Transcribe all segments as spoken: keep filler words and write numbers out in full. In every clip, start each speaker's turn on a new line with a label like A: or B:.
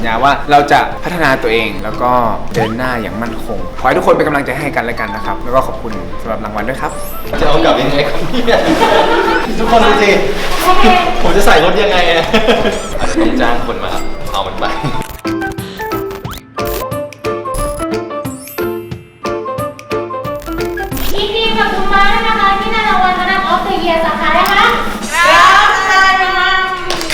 A: ญาว่าเราจะพัฒนาตัวเองแล้วก็เดินหน้าอย่างมั่นคงขอให้ทุกคนเป็นกำลังใจให้กันและกันนะครับแล้วก็ขอบคุณสำหรับรางวัลด้วยครับ
B: จะเอากลับยังไงครับเนี่ยทุกคนดูสิผมจะใส่รถยังไงอะอาจจะต้องจ้างคนมาเอามันไป
C: ยินดีกับคุณม้านะคะที่ได้รางวัลคณะออฟเดอะเยียร์สาขานะคะรับรางวัล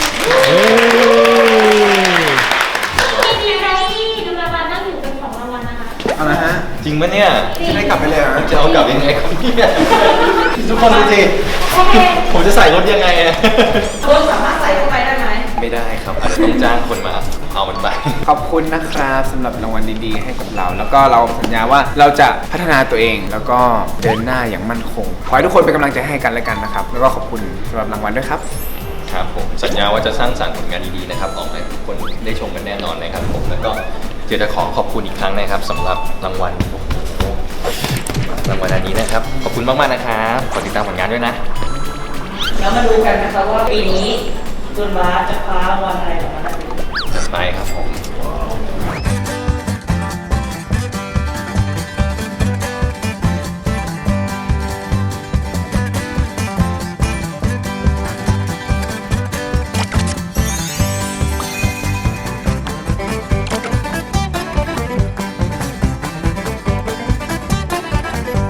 C: ยินดีไหมดูรางวัลนั่งอยู่เป็นของรางวัลนะคะ
A: เอาละฮะ
B: จริงปะเนี่ย
A: จะได้กลับไปเลยเหรอ
B: จะเอากลับยังไงครับเนี่ยทุกคนดูสิผมจะใส่รถยังไงอะ
D: รถสามารถใส่เข้าไปได้ไหม
B: ไม่ได้ครับอาจจะต้องจ้างคนมาเอามันไป
A: ขอบคุณนะครับสำหรับรางวัลดีๆให้กับเราแล้วก็เราสัญญาว่าเราจะพัฒนาตัวเองแล้วก็เดินหน้าอย่างมั่นคงขอให้ทุกคนเป็นกำลังใจให้กันและกันนะครับแล้วก็ขอบคุณสำหรับรางวัลด้วยครับ
B: ครับผมสัญญาว่าจะสร้างสรรค์ผลงานดีๆนะครับออกมาให้ทุกคนได้ชมกันแน่นอนนะครับผมแล้วก็เดี๋ยวจะขอขอบคุณอีกครั้งนะครับสำหรับรางวัลโอ้โหรางวัลอันนี้นะครับขอบคุณมากๆนะครับขอติดตามผลงานด้วยนะ
D: แล้วมาดูกันนะคะว่าปีนี้คุณบาสจะคว้ารางวัลอะไรออกมาได้
B: จัดไปครับผม